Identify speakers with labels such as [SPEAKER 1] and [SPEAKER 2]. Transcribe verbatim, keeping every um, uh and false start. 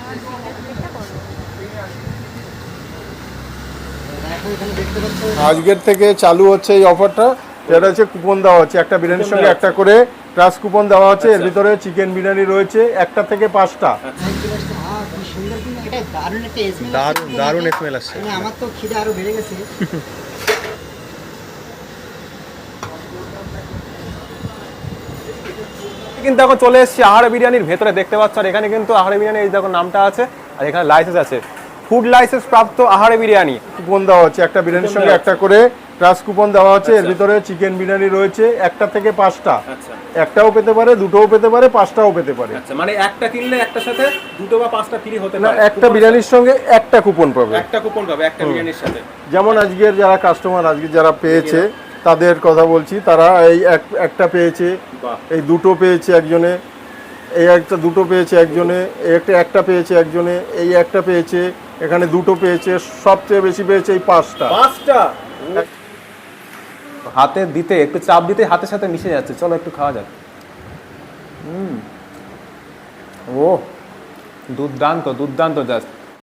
[SPEAKER 1] আজকের থেকে চালু হচ্ছে এই অফারটা, যেটা হচ্ছে কুপন দেওয়া হচ্ছে, একটা বিরিয়ানির সঙ্গে একটা করে ট্রাস্ট কুপন দেওয়া হচ্ছে। এর ভিতরে চিকেন বিরিয়ানি রয়েছে একটা থেকে পাঁচটা।
[SPEAKER 2] দারুণ দারুণ স্মেল আসছে।
[SPEAKER 3] আমার তো খিদে আরো বেড়ে গেছে।
[SPEAKER 4] কিন্তু এখন চলে এসেছি আহারে বিরিয়ানির ভেতরে, দেখতে পাচ্ছ। আর এখানে কিন্তু আহারে বিরিয়ানি এই দেখো নামটা আছে, আর এখানে লাইসেন্স আছে, ফুড লাইসেন্স প্রাপ্ত আহারে বিরিয়ানি।
[SPEAKER 1] কুপন দেওয়া হচ্ছে, একটা বিরিয়ানির সঙ্গে একটা করে ট্রাস্ট কুপন দেওয়া হচ্ছে। এর ভিতরে চিকেন বিরিয়ানি রয়েছে একটা থেকে পাঁচটা। একটাও পেতে পারে, দুটোও পেতে পারে, পাঁচটাও পেতে পারে।
[SPEAKER 4] আচ্ছা, মানে একটা কিনলে একটার সাথে দুটো বা পাঁচটা ফ্রি হতে
[SPEAKER 1] না,
[SPEAKER 4] পারে।
[SPEAKER 1] একটা বিরিয়ানির সঙ্গে একটা কুপন পাবে,
[SPEAKER 4] একটা কুপন পাবে একটা বিরিয়ানির সাথে।
[SPEAKER 1] যেমন আজকের যারা কাস্টমার আজকে যারা পেয়েছে তাদের কথা বলছি, তারা এই একটা পেয়েছে, এই দুটো পেয়েছে একজনে, এই একটা দুটো পেয়েছে একজনে, এই একটা একটা পেয়েছে একজনে, এই একটা পেয়েছে, এখানে দুটো পেয়েছে, সবচেয়ে বেশি পেয়েছে এই পাঁচটা।
[SPEAKER 4] পাঁচটা হাতে দিতে একটু চাপ দিতে হাতের সাথে মিশে যাচ্ছে। চলো একটু খাওয়া যাক। হুম, ও দুর্দান্ত দুর্দান্ত জাস্ট।